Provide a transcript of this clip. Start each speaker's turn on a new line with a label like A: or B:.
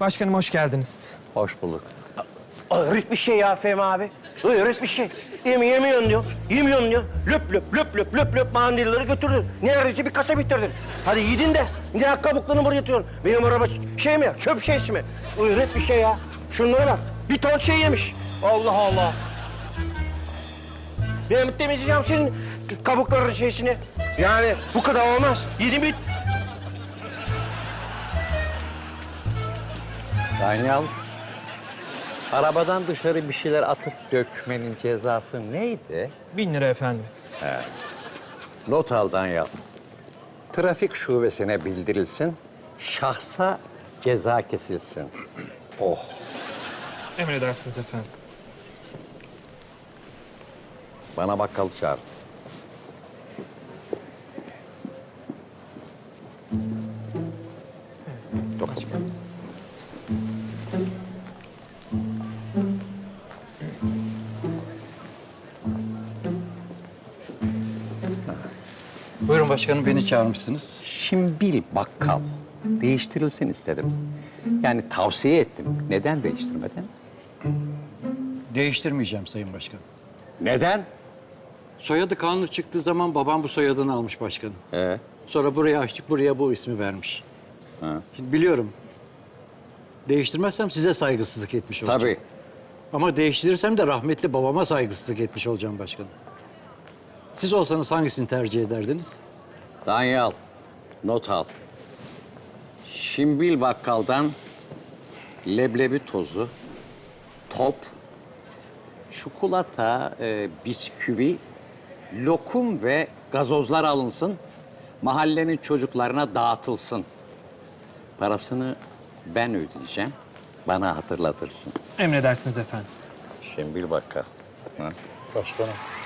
A: Başkanım hoş geldiniz.
B: Hoş bulduk.
C: Öğret bir şey ya Fehmi abi. Öğret bir şey. Yemiyorsun diyor. Yemiyorsun diyor. Löp löp löp löp löp löp mandilleri götürdün. Neredeyse bir kasa bitirdin. Hadi yedin de. Ne kabuklarını buraya atıyorsun? Benim araba şey mi ya? Çöp şeysi mi? Öğret bir şey ya. Şunlara bak. Bir ton şey yemiş. Allah Allah. Ben temizleyeceğim senin kabukların şeysini. Yani bu kadar olmaz. Yedin bit.
B: Danyal, arabadan dışarı bir şeyler atıp dökmenin cezası neydi?
A: 1000 lira efendim.
B: Not al Danyal. Trafik şubesine bildirilsin, şahsa ceza kesilsin. Oh.
A: Emredersiniz efendim.
B: Bana bakkal çağır.
A: Başkanımız.
D: Buyurun başkanım, beni çağırmışsınız.
B: Şimbil bakkal. Değiştirilsin istedim. Yani tavsiye ettim. Neden değiştirmedin?
D: Değiştirmeyeceğim sayın başkanım.
B: Neden?
D: Soyadı kanunu çıktığı zaman babam bu soyadını almış başkanım. Sonra buraya açtık, buraya bu ismi vermiş. Şimdi biliyorum. Değiştirmezsem size saygısızlık etmiş olacağım.
B: Tabii.
D: Ama değiştirirsem de rahmetli babama saygısızlık etmiş olacağım başkanım. Siz olsanız hangisini tercih ederdiniz?
B: Danyal, not al. Şimbil bakkaldan leblebi tozu, top, çikolata, bisküvi, lokum ve gazozlar alınsın. Mahallenin çocuklarına dağıtılsın. Parasını ben ödeyeceğim. Bana hatırlatırsın.
A: Emredersiniz efendim.
B: Şimbil bakkal.
D: Başkanım.